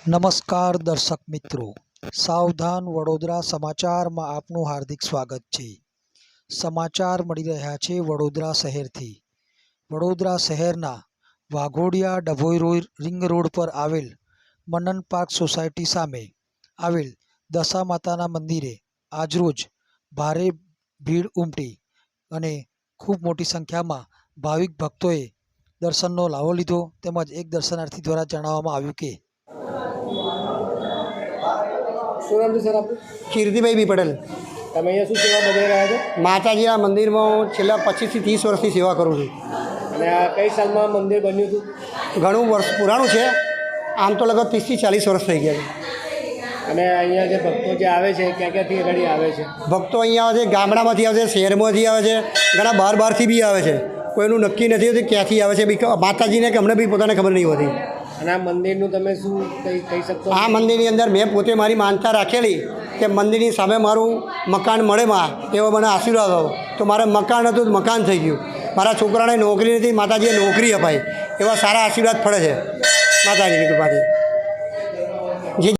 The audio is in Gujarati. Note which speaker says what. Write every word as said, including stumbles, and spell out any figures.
Speaker 1: નમસ્કાર દર્શક મિત્રો, સાવધાન વડોદરા સમાચારમાં આપનું હાર્દિક સ્વાગત છે। સમાચાર મળી રહ્યા છે વડોદરા શહેરથી। વડોદરા શહેરના વાઘોડિયા ડભોઈ રિંગ રોડ પર આવેલ મનન પાર્ક સોસાયટી સામે આવેલ દશા માતાના મંદિરે આજરોજ ભારે ભીડ ઉમટી અને ખૂબ મોટી સંખ્યામાં ભાવિક ભક્તોએ દર્શનનો લાવો લીધો। તેમજ એક દર્શનાર્થી દ્વારા જણાવવામાં આવ્યું કે
Speaker 2: શું નામ છે સર આપનું?
Speaker 3: કીર્તિભાઈ બી પટેલ।
Speaker 2: તમે અહીંયા શું સેવા બજાવી રહ્યા છો?
Speaker 3: માતાજીના મંદિરમાં હું છેલ્લા પચીસથી ત્રીસ વર્ષથી સેવા કરું છું।
Speaker 2: અને આ કઈ સાલમાં મંદિર બન્યું હતું?
Speaker 3: ઘણું વર્ષ પુરાણું છે, આમ તો લગભગ ત્રીસથી ચાલીસ વર્ષ થઈ ગયા છે।
Speaker 2: અને અહીંયા જે ભક્તો જે આવે છે ક્યાં ક્યાંથી આગળ આવે છે?
Speaker 3: ભક્તો અહીંયા આવે છે, ગામડામાંથી આવે છે, શહેરમાંથી આવે છે, ઘણા બહાર બહારથી બી આવે છે। કોઈનું નક્કી નથી હોતું ક્યાંથી આવે છે, બી માતાજીને કે અમને બી પોતાને ખબર નહીં હોતી।
Speaker 2: અને આ મંદિરનું તમે શું કંઈ કહી શકશો?
Speaker 3: આ મંદિરની અંદર મેં પોતે મારી માનતા રાખેલી કે મંદિરની સામે મારું મકાન મળે માં એવો મને આશીર્વાદ આવો, તો મારે મકાન હતું તો મકાન થઈ ગયું। મારા છોકરાને નોકરી નથી, માતાજીએ નોકરી અપાઈ, એવા સારા આશીર્વાદ પડે છે માતાજીની કૃપાથી।